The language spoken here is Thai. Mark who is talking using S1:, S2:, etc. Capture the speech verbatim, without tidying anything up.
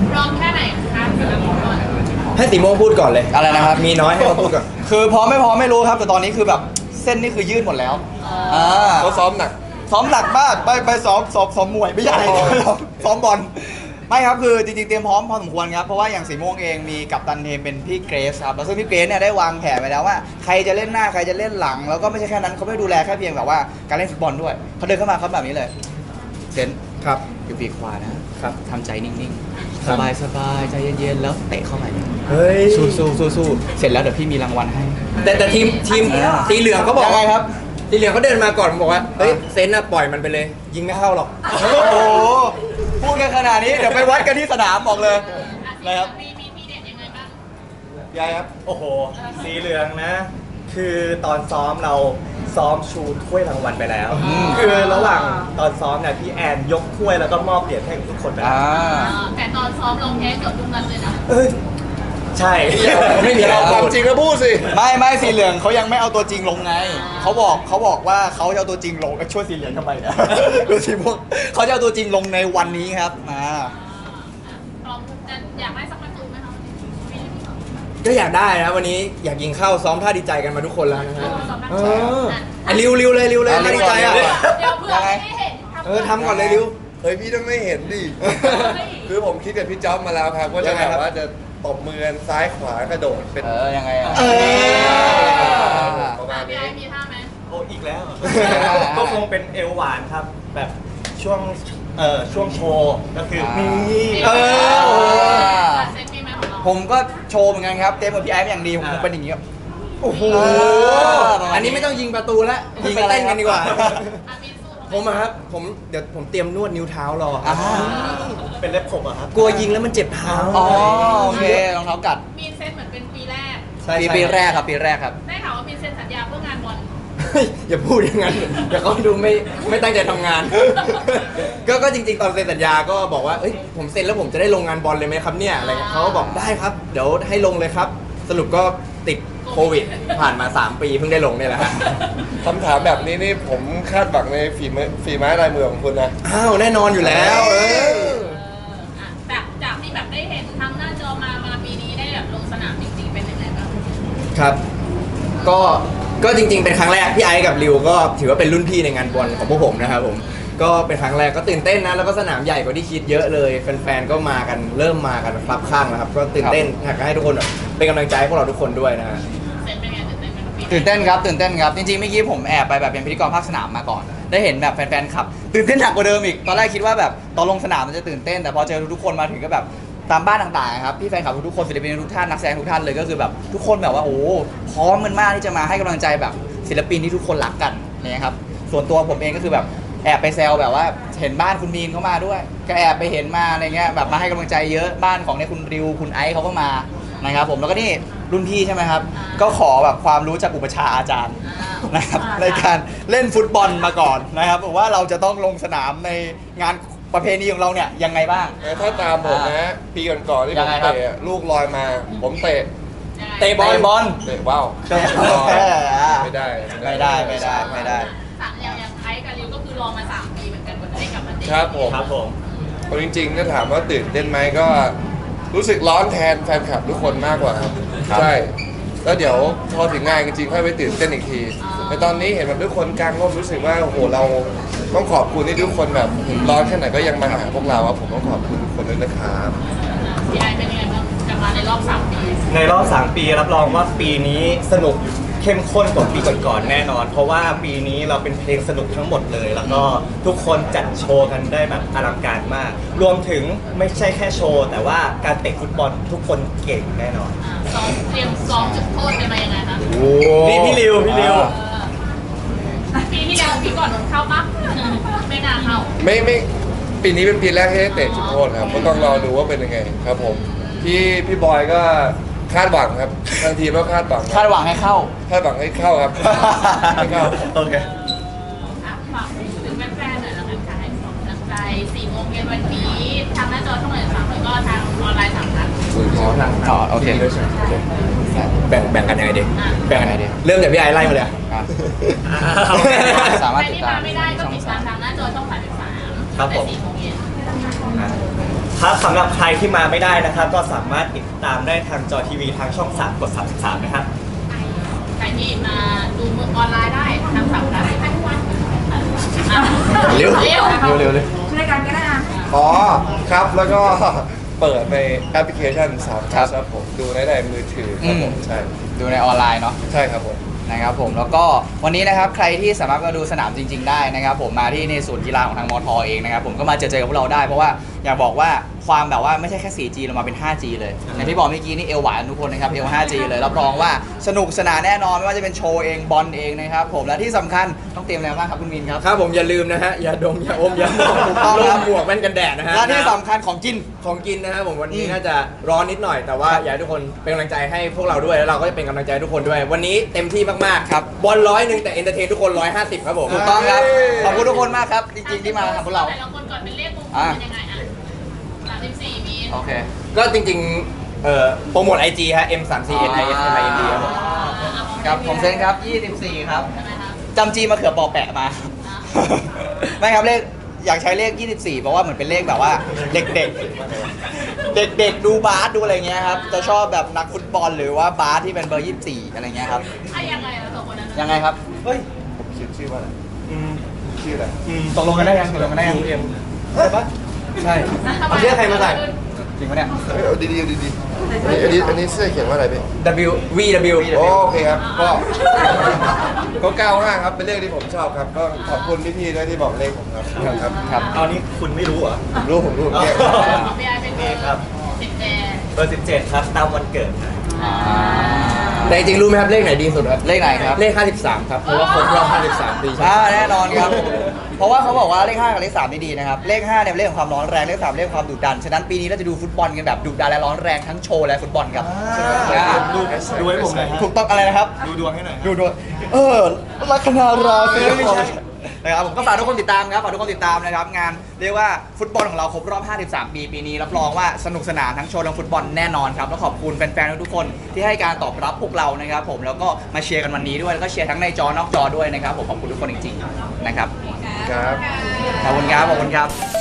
S1: พร้อมแค่ไหนคะสำหรับฟุตบอล
S2: ให้สีโมงพูดก่อนเลย
S3: อะไรนะครับ
S2: มีน้อยให้เขาพูดก่อน
S3: คือพร้อมไม่พร้อมไม่รู้ครับแต่ตอนนี้คือแบบเส้นนี่คือยืดหมดแล้วอ่า
S2: เขาซ้อมหนัก
S3: ซ้อมหนักมากไปไปซ้อมซ้อมซ้อมมวยไม่ใช่ซ้อมบอลไม่ครับคือจริงๆเตรียมพร้อมพอสมควรครับเพราะว่าอย่างสีม่วงเองมีกัปตันทีมเป็นพี่เกรซครับแล้วซึ่งพี่เกรซเนี่ยได้วางแผนไว้แล้วว่าใครจะเล่นหน้าใครจะเล่นหลังแล้วก็ไม่ใช่แค่นั้นเขาไม่ดูแลแค่เพียงแบบว่าการเล่นฟุตบอลด้วยเขาเดินเข้ามาครับแบบนี้เลยเซน
S2: ครับ
S3: อยู่ปีกขวานะครับทำใจนิ่งๆสบายสบายใจเย็นๆแล้วเตะเข้าไป
S2: เฮ้ย
S3: สู้สู้สู้สู้เสร็จแล้วเดี๋ยวพี่มีรางวัลให้
S2: แต่แต่ทีมทีมสีเหลืองเขาบอก
S3: ยังไงครับ
S2: สีเหลืองเขาเดินมาก่อนบอกว่าเฮ้ยเซนน่ะปล่อยมันไปเลยยิงไม่เข้าหรอก
S3: โอ้โหพูดกันขนาดนี้เดี๋ยวไปวัดกันที่สนามบอกเลยนะครับ
S1: มีมีมีเด็ดยังไงบ้าง
S2: ยายครับ
S4: โอ้โหสีเหลืองนะ คือตอนซ้อมเราซ้อมชูถ้วยรางวัลไปแล้ว คือระหว่างตอนซ้อมเนี่ยพี่แอนยกถ้วยแล้วก็มอบเหรียญให้กับทุกคนไปแล้ว
S1: แต่ตอนซ้อมลงแพ้เกือบทุกนัดเลยนะ
S4: เอ้ยใช่
S2: ไม่มีเราความจริงแล้วพูดสิ
S3: ไม่ไม่สีเหลืองเขายังไม่เอาตัวจริงลงไงเขาบอกเขาบอกว่าเขาจะเอาตัวจริงลงช่วยสีเหลืองทำไมเนี่ยดูสีพวกเขาจะเอาตัวจริงลงในวันนี้ครับมา
S1: พร้อมจะอยากได้สักประตูไหมคะ
S2: ก็อยากได้นะวันนี้อยากยิงเข้าซ้อมท่าดีใจกันมาทุกคนแล้วนะฮะเออริวริวเลยริวเลยท่าดีใจอ่ะ
S1: เดี๋ยวเผื่อไม่เห็น
S2: เออทำก่อนเลยริว
S5: เฮ้ยพี่ต้องไม่เห็นดิคือผมคิดกับพี่จ๊อบมาแล้วครับว่าจะแบบว่าจะตบมือซ้ายขวากระโดดเป็น
S3: เออยังไงอ่ะ
S5: ประมาณนี้
S1: มีท่าไหม
S4: โอ้อีกแล้วก็คงเป็นเอวหวานครับแบบช่วงเอ่อช่วงโชว์ก็คือมี
S3: เออ
S1: เซ็ตมีไหมของเรา
S3: ผมก็โชว์เหมือนกันครับเต็มกับพี่ไอ้อย่างดีผมเป็นอย่างนี้
S2: โอ้โหอันนี้ไม่ต้องยิงประตูแล้วยิงเต้นกันดีกว่าผมอะครับผมเดี๋ยวผมเตรียมนวดนิ้วเท้ารอ
S4: เป็นเล็บขบอะครับ
S2: กลัวยิงแล้วมันเจ็บเท้า
S3: อ๋อโอเครองเท้ากัด
S1: มีเซ็ตเหมือนเป็นปีแรก
S3: ปีปีแรกครับปีแรกครับ
S1: ได้ข่าวว่ามีเซ็นสัญญาเพื่องานบอล
S2: อย่าพูดอย่างนั้นเดี๋ยวเขาดูไม่ไม่ตั้งใจทำงานก็ก็จริงๆตอนเซ็นสัญญาก็บอกว่าเอ้ยผมเซ็นแล้วผมจะได้ลงงานบอลเลยไหมครับเนี่ยอะไรเขาก็บอกได้ครับเดี๋ยวให้ลงเลยครับสรุปก็ติดโควิดผ่านมาสามปีเพิ่งได้ลงเนี่ยแหละ
S5: คำถามแบบนี้นี่ผมคาดหวังในฝีมือฝีไม้ลายมือของคุณนะ
S2: อ้าวแน่นอนอยู่แล้ว
S1: จากจากที่แบบได้เห็นทางหน้าจอมามาปีนี้ได้แบบลงสนามจริงๆเป็นยังไงบ้าง
S2: ครับก็ก็จริงๆเป็นครั้งแรกพี่ไอซ์กับริวก็ถือว่าเป็นรุ่นพี่ในงานบอลของพวกผมนะครับผมก็เป็นครั้งแรกก็ตื่นเต้นนะแล้วก็สนามใหญ่กว่าที่คิดเยอะเลยแฟนๆก็มากันเริ่มมากันครับข้างนะครับก็ตื่นเต้นอยากให้ทุกคนเป็นกำลังใจให้พวกเราทุกคนด้วยนะฮะ
S3: ตื่นเต้นครับตื่นเต้นครับจริงๆเมื่อกี้ผมแอบไปแบบเป็นพิธีกรภาคสนามมาก่อนได้เห็นแบบแฟนๆขับตื่นเต้นหนักกว่าเดิมอีกตอนแรกคิดว่าแบบตอนลงสนามมันจะตื่นเต้นแต่พอเจอทุกคนมาถึงก็แบบตามบ้านต่างๆครับพี่แฟนคลับทุกคนศิลปินทุกท่านนักแสดงทุกท่านเลยก็คือแบบทุกคนแบบว่าโอ้พร้อมมันมากที่จะมาให้กำลังใจแบบศิลปินที่ทุกคนรักกันเนี่ยครับส่วนตัวผมเองก็คือแบบแอบไปแซวแบบว่าเห็นบ้านคุณมีนเข้ามาด้วยก็แอบไปเห็นมาอะไรเงี้ยแบบมาให้กำลังใจเยอะบ้านของเนี่ยคุณริวคุณไอซ์เขาก็มานะครับผมแล้วก็นี่รุ่นพี่ใช่ไหมครับก็ขอแบบความรู้จากอุปชาอาจารย์นะครับในการเล่นฟุตบอลมาก่อนนะครับว่าเราจะต้องลงสนามในงานประเพณีของเราเนี่ยยังไงบ้าง
S5: ถ้าตามผมนะปีก่อนๆที่ผมเตะลูกลอยมาผมเตะ
S3: เตะบอลบอล
S5: เตะว้าวไม่ได้
S3: ไม่ได้ไม่ได้ไม่ได้
S1: สามอย่างอย่างไอ้กับริวก็คือรอมาสามปีเหมือนกันกว่าจะได้กลับมาเตะ
S5: ครับผม
S4: ครับผม
S5: จริงๆถ้าถามว่าตื่นเต้นไหมก็รู้สึกร้อนแทนแฟนคลับทุกคนมากกว่าครับใช่แล้วเดี๋ยวพอถึงงานจริงๆค่อยไปตื่นเต้นอีกทีแต่ตอนนี้เห็นแบบทุกคนกลางร่มรู้สึกว่าโอ้โหเราต้องขอบคุณที่ทุกคนแบบร้อนแค่ไหนก็ยังมาหาพวกเราครับผมต้องขอบคุณทุกคนด้วยนะครับ
S1: พี่ไอเป็นยังไงบ้างกลับมาในรอบสามปี
S4: ในรอบสามปีรับรองว่าปีนี้สนุกเข้มข้นกว่าปีก่อนๆแน่นอนเพราะว่าปีนี้เราเป็นเพลงสนุกทั้งหมดเลยแล้วก็ทุกคนจัดโชว์กันได้แบบอลังการมากรวมถึงไม่ใช่แค่โชว์แต่ว่าการเตะฟุตบอลทุกคนเก่งแน่นอน
S1: ซ้อมเตรียมซ้อมจุดโทษเป็นมายังไงคะ
S4: นี่พี่ริวพี่ริว
S1: ปีที่แล้วพี่ก่อนเข้าปะไม่น่าเข้า
S5: ไม่ไม่ปีนี้เป็นปีแรกที่ได้เตะจุดโทษครับก็ต้องรอดูว่าเป็นยังไงครับผมพี่พี่บอยก็คาดหวังครับทางทีมก็คาดหวัง
S3: คาดหวังให้เข้า
S5: คาดหวังให้เข้าครับให้เข้า
S4: โอเค
S1: ฝากถึงแฟนๆหน่อยแล้วกันค่ะให้ส่งกำลังใจสี่โมงเย็นวันนี้ทางหน้าจอช่องไหนสามแล้วก็ทางออนไลน์สามครั้ง
S3: อ๋อโอเค
S2: แบ่งแบ่งกันยังไงดีแบ่งกันยังไงดีเริ่มจากพี่ไอไล่มาเลย
S3: สามารถ
S1: ติดตามไม่ได้ก็ติดตามทางหน้าจอช่องสามสิบสามตั้งแต่สี่โมงเย็น
S4: ครับสำหรับใครที่มาไม่ได้นะครับ ก็สามารถติดตามได้ทางจอทีวีทางช่องสามกดสามสิบสามนะครับ
S1: ใครที่มาดูมือออนไลน์ได้ทางฝั่งนั้นอ่ะ
S2: เร็ว
S1: เร็ว
S2: เร็วเร็วเลย
S6: ช่วยกันก็ได้นะ
S5: อ๋อครับแล้วก็ เปิดในแอปพลิเคชันสาม
S3: ครับ
S5: ครับผมดูได้ในมือถือครับผม
S3: อืม
S5: ใช่
S3: ดูในออนไลน์เนาะ
S5: ใช่ครับผม
S3: นะครับผมแล้วก็วันนี้นะครับใครที่สามารถมาดูสนามจริง ๆ ได้นะครับผมมาที่ในศูนย์กีฬาของทางมอทอเองนะครับผมก็มาเจอเจอกับพวกเราได้เพราะว่าอยากบอกว่าความแบบว่าไม่ใช่แค่ โฟร์จี เรามาเป็น ไฟว์จี เลยอย่างที่บอกเมื่อกี้นี่เอวหวานทุกคนนะครับเอว ไฟว์จี เลยรับรองว่าสนุกสนานแน่นอนไม่ว่าจะเป็นโชว์เองบอลเองนะครับผมและที่สำคัญต้องเตรียมอะไรบ้างครับคุณมินครับ
S2: ครับผมอย่าลืมนะฮะอย่าดมอย่าอมอย่ามอง
S3: ถูกต้องครับ
S2: ลมหมวกแว่นกันแดดนะฮะ
S3: และที่สำคัญของกิน
S2: ของกินนะครับผมวันนี้
S3: อืม
S2: น่าจะร้อนนิดหน่อยแต่ว่าอยากให้ทุกคนเป็นกำลังใจให้พวกเราด้วยแล้วเราก็จะเป็นกำลังใจให้ทุกคนด้วย วันนี้เต็มที่มากๆ
S3: ครับ
S2: บอลร้อยหนึ่งแต่เอนเตอร์เทนทุกคนร้อยห้าสิบครับผม
S3: ถูกต้องครับขอบคุณทุกคนมากครับจริงๆที่มาหาพวกเรา
S1: แต่ละคนก่อนเป็นเลขมงคล
S3: อ่ะ
S1: เป็นยังไงอ่ะสามสิบสี่มี
S3: โอเค
S2: ก็จริงๆเอ่อโปรโมท ไอ จี ฮะ เอ็ม สาม สี่ เอ็น ไอ เอส เอ็ม ไอ เอ็น ดี ครับผม
S3: ครับผมเซนครับยี่สิบสี่ครับ
S1: ใช่ไหมครับ
S3: จำจีมาเขือปอแปะมา ไม่ครับเลขอยากใช้เลข ยี่สิบสี่ เพราะว่าเหมือนเป็นเลขแบบว่าเด็กๆ เด็กๆ ดูบาสดูอะไรเงี้ยครับ จะชอบแบบนักฟุตบอลหรือว่าบาสที่เป็นเบอร์ ยี่สิบสี่ อะไรเงี้ยครับ
S1: อ่ะยังไงเราสองคนนั้น
S3: ยังไงครับ
S4: เฮ้ย
S5: ผมคิดชื่อว่าอะไร
S4: อืม
S5: ชื่ออะไร
S4: อืม
S3: ตกลงกันได้ยังตกลงกันได้ยัง
S4: เอ็มใช่ปะ
S2: ใช่
S1: ทำไม
S2: เอาเสื้อใครมาใส่
S3: จริงปะเนี่ย
S5: เฮ้ยเอาดีๆเอาดีๆอันนี้อันนี้เสื้อเขียนว่าอะไรพี่
S2: W V W
S5: โอเคครับ ก็ ก็เก้าห้าครับ เป็นเลขที่ผมชอบครับ ก็ขอบคุณพี่ๆด้วยที่บอกเลขผมครับ ครับ
S3: ครับ
S4: เอานี้คุณไม่รู้เหรอ
S5: ผมรู้ผมรู้ผมเนี่ย
S1: ของพี่ไอเป็นเบอ
S4: ครับ
S1: ร์สิบแปด
S4: เบอร์สิบเจ็ดครับ ตามวันเกิดครับ
S2: แต่จริงๆรู้ไหมครับเลขไหนดีสุดครับ
S3: เลขไหนครับ
S2: เลขห้าสิบสามครับเพราะว่าครบรอบห้าสิบสามปีใช่ไหม
S3: อ่าแน่นอนครับ เพราะว่าเขาบอกว่าเลขห้ากับเลขสามนี่ดีนะครับ เลขห้าเนี่ยเป็นเลขของความร้อนแรง เลขสามเลขของความดุดัน ฉะนั้นปีนี้เราจะดูฟุตบอลกันแบบดุดันและร้อนแรงทั้งโชว์และฟุตบอลครับ
S4: อ่าดูดูให้ผมหน่อยฮะ
S3: ถูกต้องอะไรนะครับ
S4: ดูดวงให้หน่อยฮะ
S3: ดูดวงเออลัคนาราศีนะครับผมก็ฝากทุกคนติดตามครับฝากทุกคนติดตามนะครับงานเรียกว่าฟุตบอลของเราครบรอบ ห้าสิบสาม ปีปีนี้รับรองว่าสนุกสนานทั้งโชว์ทั้งฟุตบอลแน่นอนครับแล้วขอบคุณแฟนๆทุกๆคนที่ให้การตอบรับพวกเรานะครับผมแล้วก็มาเชียร์กันวันนี้ด้วยแล้วก็เชียร์ทั้งในจอนอกจอด้วยนะครับผมขอบคุณทุกคนจริงๆนะครับ
S5: ครับ
S3: ขอบคุณครับขอบคุณครับ